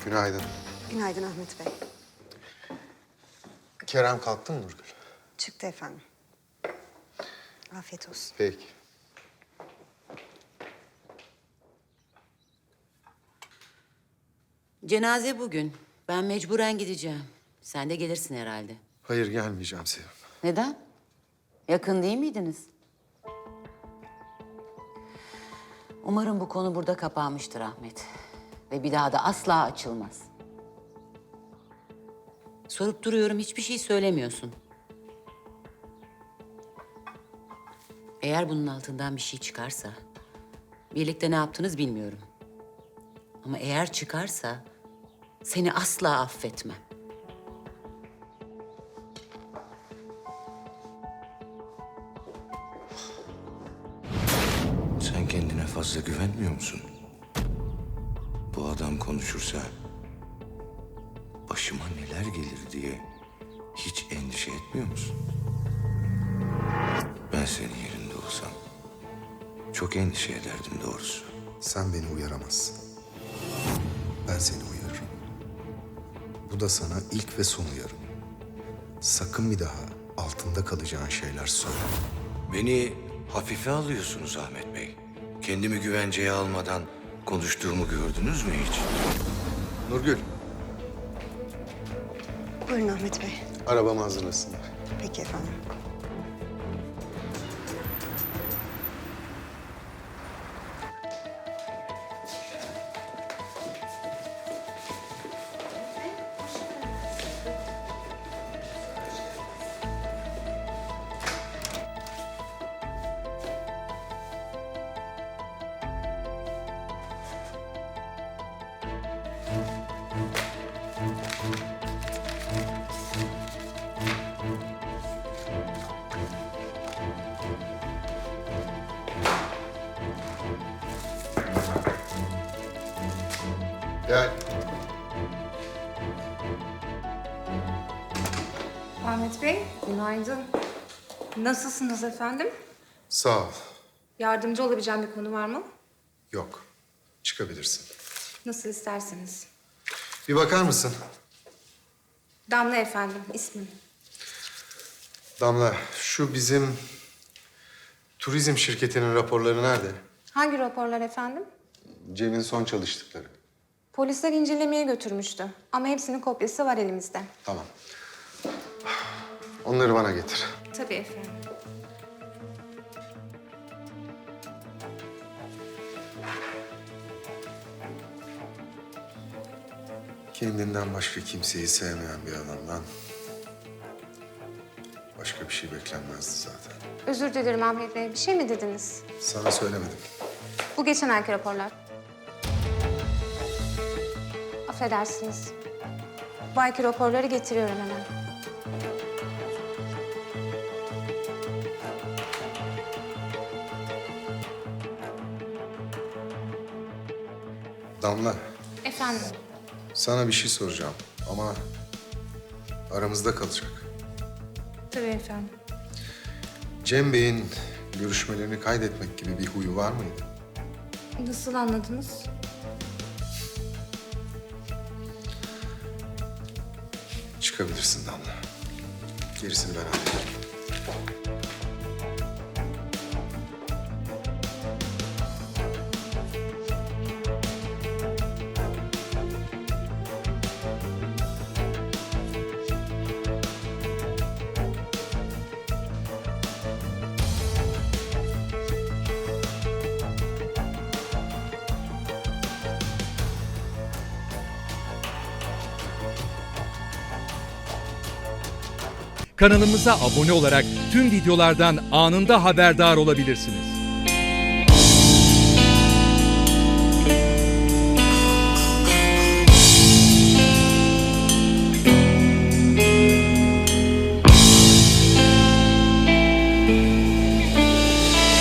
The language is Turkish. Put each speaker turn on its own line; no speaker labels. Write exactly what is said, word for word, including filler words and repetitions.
Günaydın.
Günaydın Ahmet Bey.
Kerem kalktı mı Nurgül?
Çıktı efendim. Afiyet olsun.
Peki.
Cenaze bugün. Ben mecburen gideceğim. Sen de gelirsin herhalde.
Hayır gelmeyeceğim Sevim.
Neden? Yakın değil miydiniz? Umarım bu konu burada kapanmıştır Ahmet. Ve bir daha da asla açılmaz. Sorup duruyorum, hiçbir şey söylemiyorsun. Eğer bunun altından bir şey çıkarsa... birlikte ne yaptınız bilmiyorum. Ama eğer çıkarsa... seni asla affetmem.
Sen kendine fazla güvenmiyor musun? Bu adam konuşursa başıma neler gelir diye hiç endişe etmiyor musun? Ben senin yerinde olsam çok endişe ederdim doğrusu.
Sen beni uyaramazsın. Ben seni uyarırım. Bu da sana ilk ve son uyarım. Sakın bir daha altında kalacağın şeyler söyle.
Beni hafife alıyorsunuz Ahmet Bey. Kendimi güvenceye almadan konuştuğumu gördünüz mü hiç?
Nurgül,
Buyurun Ahmet Bey.
arabamı hazırlasınlar.
Peki efendim.
Gel.
Ahmet Bey, günaydın. Nasılsınız efendim?
Sağ ol.
Yardımcı olabileceğim bir konu var mı?
Yok. Çıkabilirsin.
Nasıl isterseniz.
Bir bakar mısın?
Damla efendim, ismim.
Damla, şu bizim turizm şirketinin raporları nerede?
Hangi raporlar efendim?
Cem'in son çalıştıkları.
Polisler incelemeye götürmüştü. Ama hepsinin kopyası var elimizde.
Tamam. Onları bana getir.
Tabii efendim.
Kendinden başka kimseyi sevmeyen bir adamdan başka bir şey beklenmezdi zaten.
Özür dilerim Ahmet Bey. Bir şey mi dediniz?
Sana söylemedim.
Bu geçen ayki raporlar. Affedersiniz. Bu ayki raporları getiriyorum hemen.
Damla,
Efendim,
sana bir şey soracağım ama aramızda kalacak.
tabii efendim.
Cem Bey'in görüşmelerini kaydetmek gibi bir huyu var mıydı?
Nasıl anladınız?
Çıkabilirsin Damla. Gerisini ben hallederim.
Kanalımıza abone olarak tüm videolardan anında haberdar olabilirsiniz.